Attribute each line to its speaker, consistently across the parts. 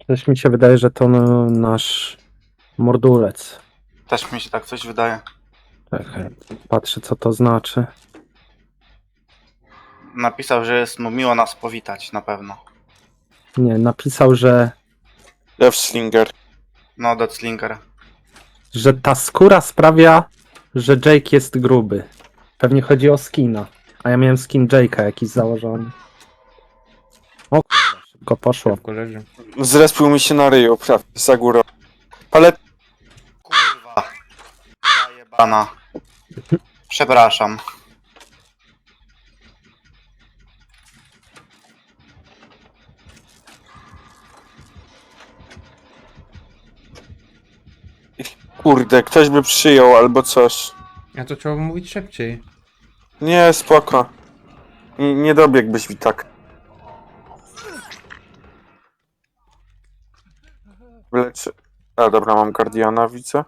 Speaker 1: Coś mi się wydaje, że to nasz mordulec.
Speaker 2: Też mi się tak coś wydaje.
Speaker 1: Czekaj, patrzę co to znaczy.
Speaker 2: Napisał, że jest mu miło nas powitać, na pewno.
Speaker 1: Nie, napisał,
Speaker 3: Deathslinger.
Speaker 2: No, Deathslinger.
Speaker 1: że ta skóra sprawia, że Jake jest gruby. Pewnie chodzi o skina. A ja miałem skin Jake'a jakiś założony. O kurwa, szybko poszło.
Speaker 4: Szybko leży.
Speaker 3: Zrespił mi się na ryju, prawie, za górą. Palet...
Speaker 2: Kurwa. Zajebana. Przepraszam.
Speaker 3: Kurde, ktoś by przyjął albo coś.
Speaker 4: A to trzeba mówić szybciej.
Speaker 3: Nie, spoko. Nie dobiegłbyś mi tak. Wyleczy... A, dobra, mam Guardiana, widzę.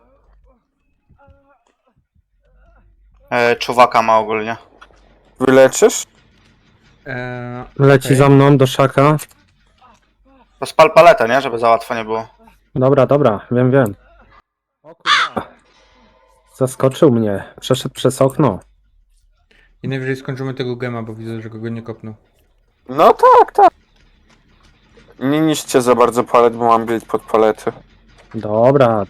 Speaker 2: Czuwaka ma ogólnie.
Speaker 3: Wyleczysz?
Speaker 1: Leci
Speaker 4: okej.
Speaker 1: za mną do szaka.
Speaker 2: To spal paletę, nie? Żeby za łatwo nie było.
Speaker 1: Dobra, wiem. O kurwa. Zaskoczył mnie. Przeszedł przez okno.
Speaker 4: I najwyżej skończymy tego gema, bo widzę, że go nie kopnął.
Speaker 3: No tak. Nie niszcie za bardzo palet, bo mam build pod palety.
Speaker 1: Dobra.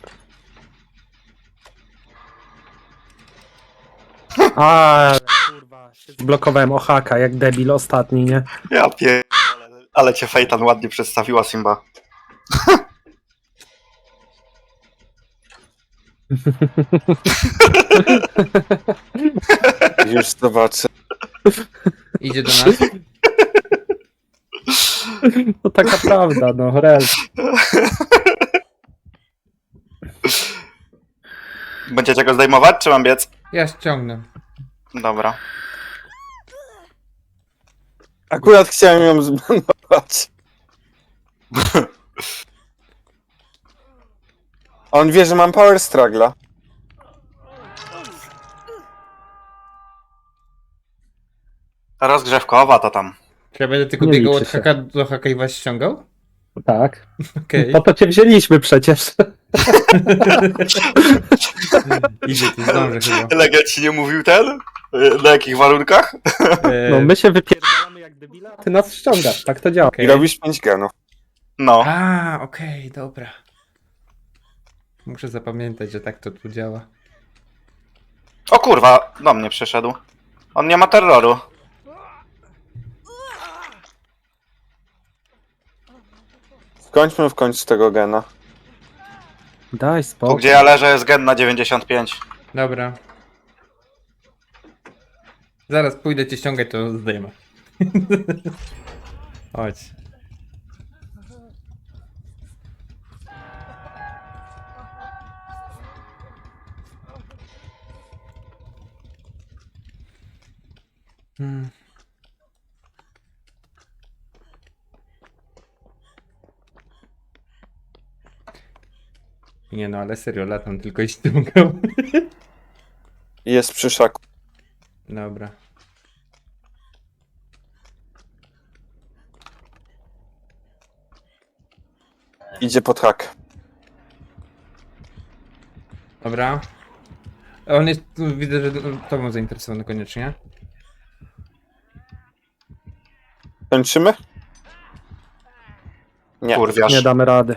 Speaker 1: A kurwa, się zblokowałem o haka, jak debil ostatni, nie?
Speaker 2: Ja pierdolę. Ale cię Fejtan ładnie przedstawiła, Simba.
Speaker 3: Już zobaczę.
Speaker 4: Idzie do nas.
Speaker 1: To taka prawda, no, rel.
Speaker 2: Będziecie go zdejmować, czy mam biec?
Speaker 4: Ja ściągnę.
Speaker 2: Dobra.
Speaker 3: Akurat chciałem ją zbanować. On wie, że mam power struggla.
Speaker 2: Rozgrzewkowa to tam.
Speaker 4: Czy ja będę tylko
Speaker 1: Nie
Speaker 4: biegał
Speaker 1: liczy
Speaker 4: od
Speaker 1: się.
Speaker 4: haka do haka i was ściągał?
Speaker 1: Tak.
Speaker 4: Okej.
Speaker 1: Po to cię wzięliśmy przecież.
Speaker 4: Idzie, ty zdążę chyba.
Speaker 2: Legend ci nie mówił ten? Na jakich warunkach?
Speaker 1: No my się wypierdalamy jak debila, a ty nas ściągasz, tak to działa.
Speaker 4: Okej.
Speaker 3: I robisz 5 genów.
Speaker 2: No.
Speaker 4: A, okej, dobra. Muszę zapamiętać, że tak to tu działa.
Speaker 2: O kurwa, do mnie przyszedł. On nie ma terroru.
Speaker 3: Skończmy w końcu tego gena.
Speaker 1: Daj
Speaker 2: Tu
Speaker 1: spokój.
Speaker 2: gdzie ja leżę jest gen na 95.
Speaker 4: Dobra. Zaraz pójdę cię ściągać, to zdejmę. Chodź. Hmm. Nie no, ale serio, latam tylko i ściągam.
Speaker 3: Jest przy szaku.
Speaker 4: Dobra.
Speaker 3: Idzie pod hak.
Speaker 4: Dobra. On jest, widzę, że tobą zainteresowany koniecznie.
Speaker 3: Kończymy? Nie.
Speaker 2: Kurwiasz.
Speaker 1: Nie damy rady.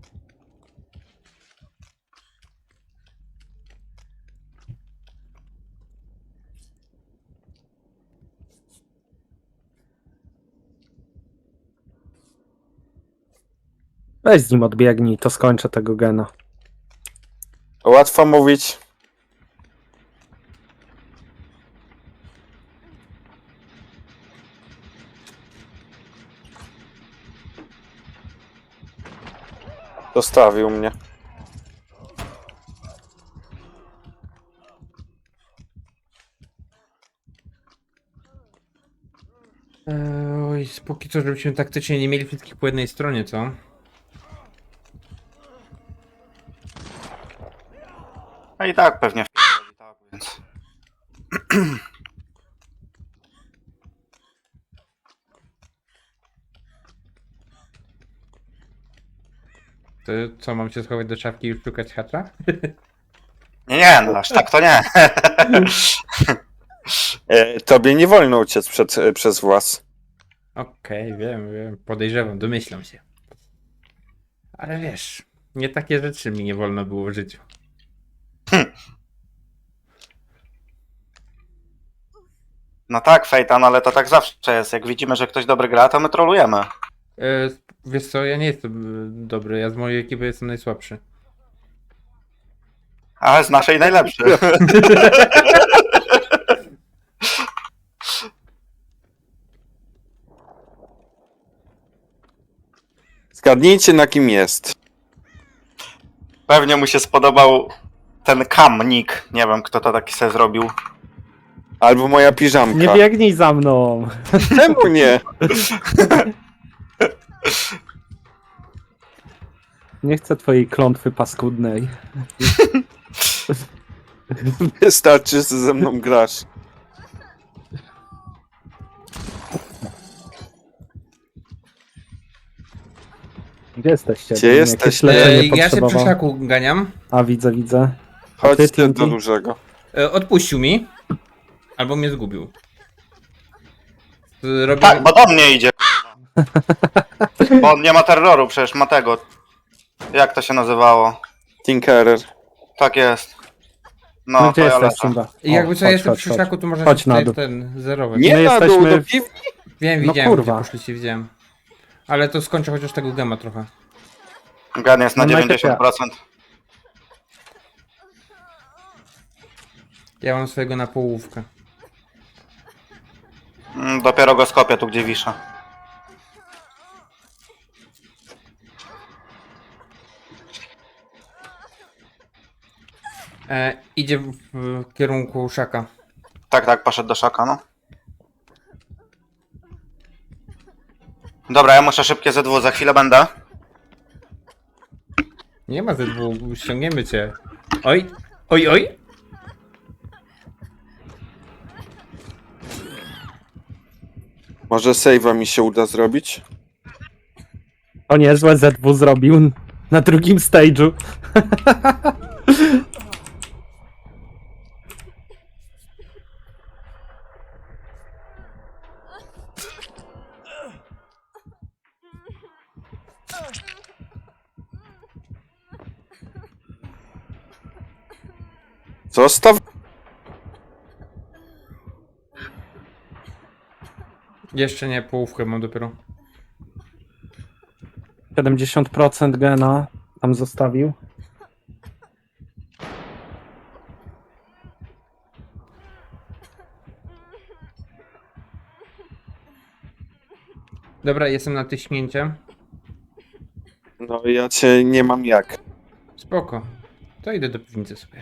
Speaker 1: Weź z nim odbiegnij, to skończę tego gena.
Speaker 3: Łatwo mówić. Zostawił mnie.
Speaker 4: Oj, póki co, żebyśmy taktycznie nie mieli wszystkich po jednej stronie, co?
Speaker 2: No i tak pewnie w tak, więc.
Speaker 4: To co, mam się schować do szafki i już szukać hacza?
Speaker 2: Nie, no aż tak to nie.
Speaker 3: Tobie nie wolno uciec przez włas.
Speaker 4: Okej, wiem, podejrzewam, domyślam się. Ale wiesz, nie takie rzeczy mi nie wolno było w życiu.
Speaker 2: No tak, Fejtan, ale to tak zawsze jest. Jak widzimy, że ktoś dobry gra, to my trolujemy.
Speaker 4: Wiesz co, ja nie jestem dobry, ja z mojej ekipy jestem najsłabszy.
Speaker 2: A z naszej najlepszy.
Speaker 3: Zgadnijcie, na kim jest.
Speaker 2: Pewnie mu się spodobał ten kamnik. Nie wiem, kto to taki se zrobił.
Speaker 3: Albo moja piżamka.
Speaker 1: Nie biegnij za mną!
Speaker 3: Czemu nie?
Speaker 1: Nie chcę twojej klątwy paskudnej.
Speaker 3: Wystarczy, że ze mną grasz.
Speaker 1: Gdzie jesteście?
Speaker 3: Gdzie
Speaker 1: Jakieś
Speaker 3: jesteście?
Speaker 1: leczenie
Speaker 4: Ja się przy
Speaker 1: potrzebował.
Speaker 4: szaku ganiam.
Speaker 1: A widzę.
Speaker 3: Chodźcie
Speaker 1: Tinky?
Speaker 3: do dużego.
Speaker 4: Odpuścił mi. Albo mnie zgubił. Robię...
Speaker 2: Tak, bo do mnie idzie. Bo on nie ma terroru, przecież ma tego. Jak to się nazywało?
Speaker 3: Tinkerer.
Speaker 2: Tak jest.
Speaker 1: No,
Speaker 2: No,
Speaker 1: gdzie
Speaker 2: to ja
Speaker 1: jesteś,
Speaker 2: lecę.
Speaker 1: Simba?
Speaker 4: I jakby co,
Speaker 1: chodź,
Speaker 4: jestem
Speaker 1: chodź,
Speaker 4: przy
Speaker 1: chodź.
Speaker 4: szaku, to można
Speaker 1: Chodź
Speaker 4: się
Speaker 1: na
Speaker 4: tutaj
Speaker 1: dół.
Speaker 4: zerować.
Speaker 3: Nie
Speaker 1: My
Speaker 3: na dół,
Speaker 1: jesteśmy-
Speaker 3: do piwni.
Speaker 4: Wiem,
Speaker 1: No
Speaker 4: widziałem,
Speaker 1: kurwa.
Speaker 4: gdzie poszliście, widziałem. Ale to skończę chociaż tego gema trochę.
Speaker 2: Gan jest na
Speaker 1: No, najpierw
Speaker 2: 90%.
Speaker 4: Ja mam swojego na połówkę.
Speaker 2: Dopiero go skopię tu, gdzie wiszę.
Speaker 4: Idzie w kierunku szaka.
Speaker 2: Tak, poszedł do szaka, no. Dobra, ja muszę szybkie Z2, za chwilę będę.
Speaker 4: Nie ma ze dwóch, ściągniemy cię. Oj, oj.
Speaker 3: Może save'a mi się uda zrobić?
Speaker 1: O niezłe ZW zrobił na drugim stage'u.
Speaker 3: Zostaw.
Speaker 4: Jeszcze nie, połówkę mam dopiero.
Speaker 1: 70% gena tam zostawił.
Speaker 4: Dobra, jestem na tyśnięcie.
Speaker 3: No ja cię nie mam jak.
Speaker 4: Spoko. To idę do piwnicy sobie.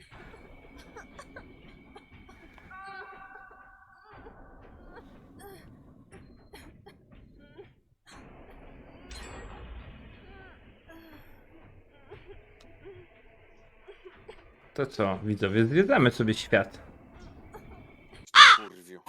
Speaker 4: To co, widzowie, zwiedzamy sobie świat.
Speaker 3: Kurwiu.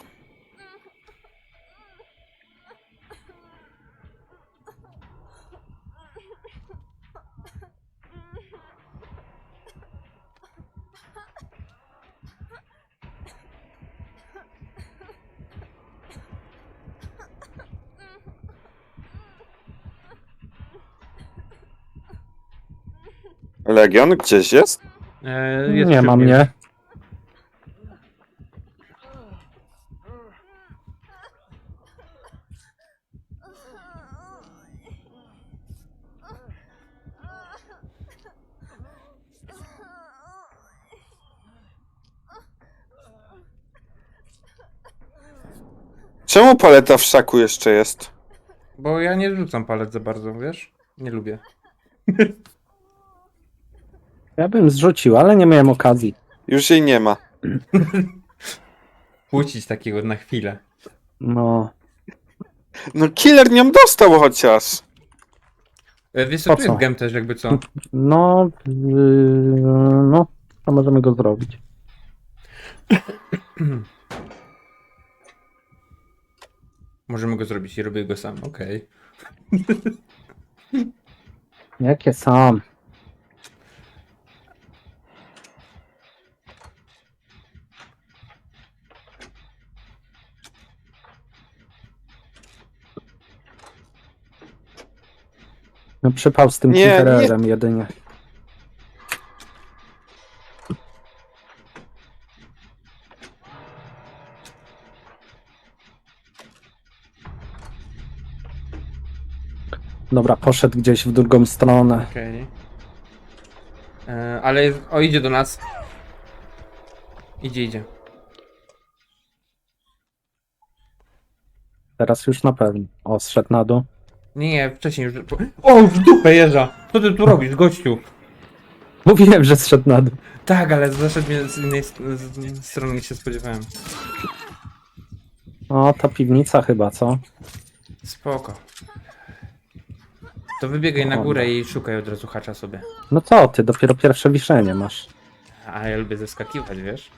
Speaker 3: Legion gdzieś jest?
Speaker 4: Jest
Speaker 1: Nie
Speaker 4: przy
Speaker 1: ma
Speaker 4: mnie.
Speaker 1: mnie.
Speaker 3: Czemu paleta w szaku jeszcze jest?
Speaker 4: Bo ja nie rzucam palec za bardzo, wiesz? Nie lubię.
Speaker 1: Ja bym zrzucił, ale nie miałem okazji.
Speaker 3: Już jej nie ma.
Speaker 4: Puścić takiego na chwilę.
Speaker 1: No,
Speaker 3: No killer nią dostał chociaż.
Speaker 4: Wiesz co,
Speaker 1: Po
Speaker 4: tu
Speaker 1: co?
Speaker 4: jest gem też jakby co.
Speaker 1: no, no, to możemy go zrobić.
Speaker 4: Możemy go zrobić i robię go sam, okej.
Speaker 1: Jakie sam? No przypał z tym
Speaker 3: Nie,
Speaker 1: Tinkererem jedynie. Dobra, poszedł gdzieś w drugą stronę.
Speaker 4: Okej. Ale o, idzie do nas. Idzie.
Speaker 1: Teraz już na pewno. O, zszedł na dół.
Speaker 4: Nie, wcześniej już. O, w dupę jeża! Co ty tu robisz, gościu?
Speaker 1: Mówiłem, że zszedł na dół.
Speaker 4: Tak, ale zaszedł mnie z innej strony niż się spodziewałem.
Speaker 1: O, ta piwnica chyba, co?
Speaker 4: Spoko. To wybiegaj na
Speaker 1: Dobra.
Speaker 4: górę i szukaj od razu hacza sobie.
Speaker 1: No co ty, dopiero pierwsze wiszenie masz.
Speaker 4: A ja lubię zeskakiwać, wiesz?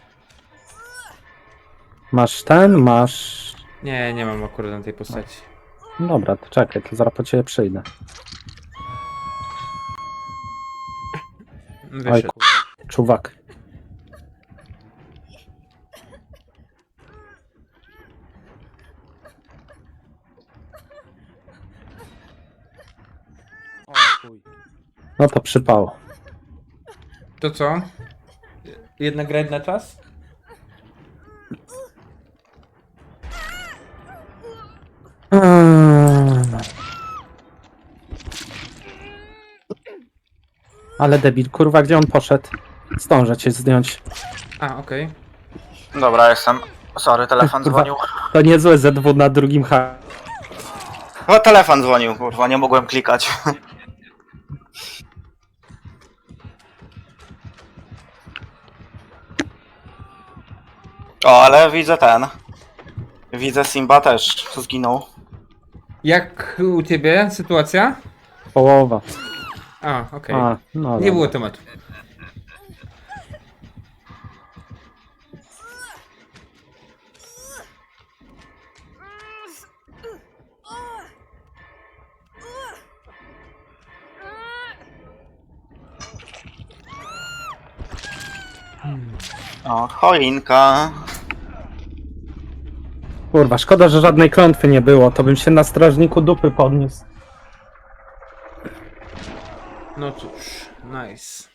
Speaker 1: Masz ten, masz...
Speaker 4: Nie mam akurat na tej postaci.
Speaker 1: Dobra, to czekaj, to zaraz po ciebie przyjdę. Oj,
Speaker 4: Wyszedł.
Speaker 1: czuwak. No to przypało.
Speaker 4: To co? Jedna gra na czas?
Speaker 1: Ale debil, kurwa, gdzie on poszedł? Zdążę cię zdjąć.
Speaker 4: A, okej.
Speaker 2: Dobra, jestem. Sorry, telefon
Speaker 1: Kurwa.
Speaker 2: dzwonił.
Speaker 1: To niezłe Z2 na drugim H.
Speaker 2: O, telefon dzwonił, kurwa, nie mogłem klikać. O, ale widzę ten. Widzę Simba też zginął.
Speaker 4: Jak u ciebie sytuacja?
Speaker 1: Połowa.
Speaker 4: A, okej.
Speaker 1: A, no
Speaker 4: Nie
Speaker 1: dobra.
Speaker 4: było tematu.
Speaker 2: O, choinka.
Speaker 1: Kurwa, szkoda, że żadnej klątwy nie było, to bym się na strażniku dupy podniósł.
Speaker 4: No cóż, nice.